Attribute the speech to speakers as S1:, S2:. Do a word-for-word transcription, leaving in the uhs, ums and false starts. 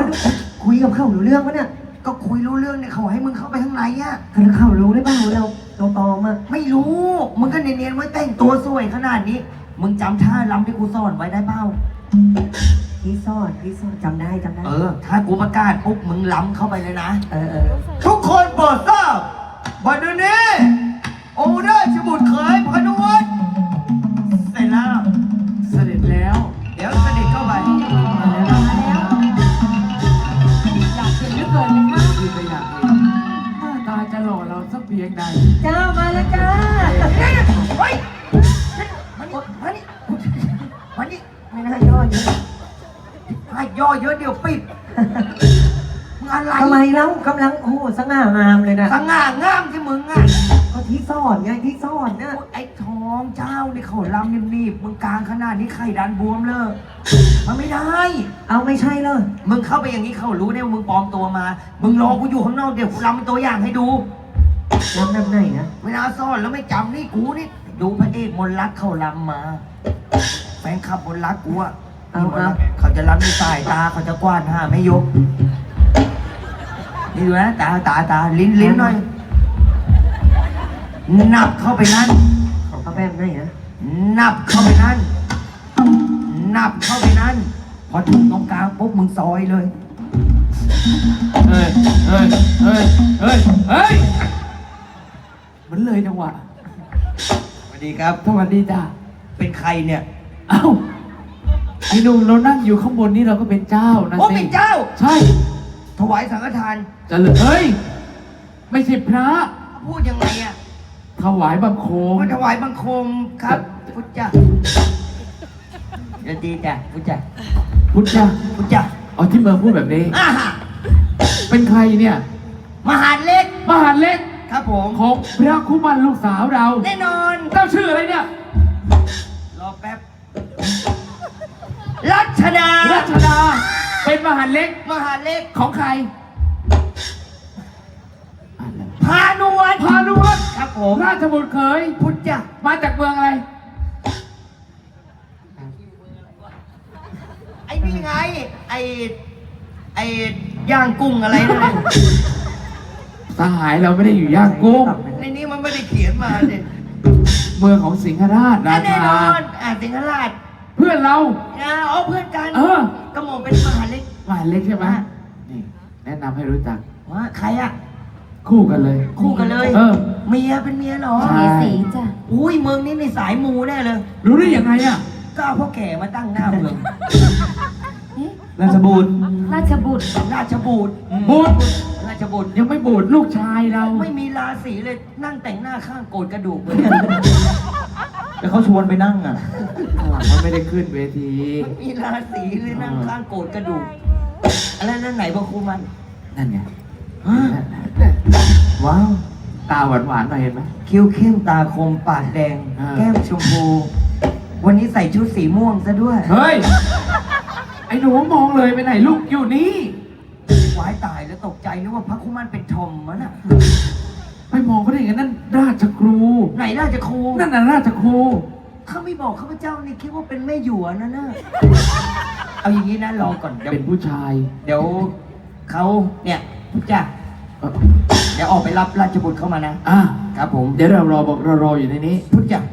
S1: คุยกับเขารู้เรื่องปะเนี่ย
S2: ก็คุยรู้เรื่องเนี่ยเขาให้มึงเข้าไปข้างในอ่ะ
S1: แล้วเขารู้ได้บ้างเราเราตอมา
S2: ไม่รู้มึงก็เนียนๆไว้แต่งตัวสวยขนาดนี้มึงจำท่าลำที่กูสอนไว้ได้เปล่า
S1: พี่ซ่อนพี่ซ่อนจำได้จำได้
S2: เออถ้ากูประกาศปุ๊บมึงล้ำเข้าไปเลยนะ
S1: เออเออ
S2: ทุกคนโปรดทราบบัดนี้องค์ราชบุตรเขยพานุวัฒน์เสร็จแล้ว
S3: เสด็จแล้ว
S2: เดี๋ยวเสด็จเข้าไป
S3: มาแล้วมาแล้วอยากเห็นเหลือเกินไหมคะคือไปอยากเห็นหน้าตาจะหล่อเราสักเพียงใด
S1: เจ้ามาแล้วจ้า
S2: เฮ้ยมานี่มานี่มานี่
S1: ไม่น่าย่อเยอะ
S2: ให้ย่อเยอะเดี๋ยวปิดมึงอะไร
S1: ทำไมเล่ากำลังโอ้โหสง่างามเลยนะ
S2: สง่างามที่มึงอ่ะ
S1: ก็ที่ซ่อนไงที่ซ่อนเนี่ย
S2: ไอ้ทองเจ้านี่เขาลำนิ่มๆมึงกลางขนาดนี้ไข่ดันบวมเลยมันไม่ได้
S1: เอาไม่ใช่เลย
S2: มึงเข้าไปอย่างนี้เขารู้ได้ว่ามึงปลอมตัวมามึงรอกูอยู่ข้างนอกเดี๋ยวกูลำเป็นตัวอย่างให้ดู
S1: ลำแบบไหนนะ
S2: เวลาซ่อนแล้วไม่จำนี่กูนี่ดูพระเอกมนลักเขาลำมาแฟนคลับมนลักกูอะ
S1: เอาเอา
S2: เขาจะลำในสายตาเขาจะกว้านห้าไม่ยกนี่ดูนะตาตาตาลิ้นลิ้นหน่อยนับเข้าไปนั่น
S1: ของเขาแบบไหนนะ
S2: นับเข้าไปนั่นนับเข้าไปนั่นพอถึงตรงกลางปุ๊บมึงซอยเลย
S3: เฮ้ยเฮ้ยเฮ้ยเฮ้ยเฮ้ยมันเลยจังหวะ
S2: สวัสดีครับ
S3: สวัสดีจ้า
S2: เป็นใครเนี่ย
S3: เอ้าไอ้หนุ่มเรานั่งอยู่ข้างบนนี่เราก็เป็นเจ้านะสิ
S2: โอ้เป็นเจ้า
S3: ใช่
S2: ถวายสังฆทาน
S3: จะเลยเฮ้ยไม่ใช่พระ
S2: พูดยังไงอะ
S3: ถวายบังคม
S2: ถวายบังคมครับพุทธเจ้าจะดีจ้ะพุทธเจ้า
S3: พุทธเจ้า
S2: พุทธเจ้า
S3: อ๋อที่เมืองพูดแบบนี้
S2: อ่า
S3: เป็นใครเนี่ย
S2: มหาเล็ก
S3: มหาเล็ก
S2: ครับผม
S3: ของพระคุมันลูกสาวเรา
S2: แน่นอน
S3: เจ้าชื่ออะไรเนี่ย
S2: รอแป๊บรัชดา
S3: รัชดาเป็นมหาเล็ก
S2: มหาเล็ก
S3: ของใคร
S2: พานุวัฒน์
S3: พานุวัฒน์
S2: ครับผม
S3: ราชบุตรเขย
S2: พุทธเจ้า
S3: มาจากเมืองอะไร
S2: ไอ้นี่ไงไอ้ไอ้ย่างกุ้งอะไรนั่น
S3: สหายเราไม่ได้อยู่ย่างกุ้ง
S2: ในนี้มันไม่ได้เขียนมาเนี่ย
S3: เมืองของสิงหราชราชา
S2: แน่นอนอ่าสิงหราช
S3: เพื่อนเรา
S2: อ๋อเพื่อนกัน
S3: เออ
S2: ก็มองเป็นมหาเล็ก
S3: มหาเล็กใช่ไหมนี่แนะนำให้รู้จัก
S2: ว่าใครอะ
S3: คู่กันเลย
S2: คู่กันเลย
S3: เออ
S2: เมียเป็นเมียเหรอ
S3: มี
S1: สีจ้ะ
S2: อุ้ยเมืองนี้ในสายมูแน่เลย
S3: รู้ได้ยังไงอะ
S2: ก็เอาพ่อแก่มาตั้งหน้าเมือง
S3: ราชบุตร
S1: ราชบุตร
S2: ราชบุตร
S3: บุตร
S2: ราชบุตร
S3: ยังไม่บุตรลูกชายเรา
S2: ไม่มีราศีเลยนั่งแต่งหน้าข้างโกรธกระดูกเลย
S3: แต่เขาชวนไปนั่งอ่ะมันไม่ได้ขึ้นเวที
S2: ไม่มีราศีเลยนั่งข้างโกรธกระดูกอะไรนั่นไหนบอกครูมัน
S3: นั่นไง
S2: ว้าว
S3: ตาหวานหวานหน่อยเห็นไหม
S2: คิ้วเข้มตาคมปากแดงแก้มชมพูวันนี้ใส่ชุดสีม่วงซะด้วย
S3: เฮ้ยไอ้หนูมองเลยไปไหนลูกอยู่นี่
S2: วายตายแล้วตกใจนึกว่าพระคุมันเป็นทอมมันอ่ะ
S3: ไปมองเขาได้ยังไงนั่นราชครู
S2: ไหนราชครู
S3: นั่นน่ะราชครู
S2: เขาไม่บอกข้าพเจ้านี่คิดว่าเป็นแม่หยวนนะน่ะเอาอย่างนี้นะรอก่อน
S3: เป็นผู้ชาย
S2: เดี๋ยวเขาเนี่ยจ้ะเดี๋ยวออกไปรับราชบุตรเข้ามานะ
S3: อ่า
S2: ครับผม
S3: เดี๋ยวเรารอบอกเรารออยู่ในนี้
S2: พุทธจ้ะ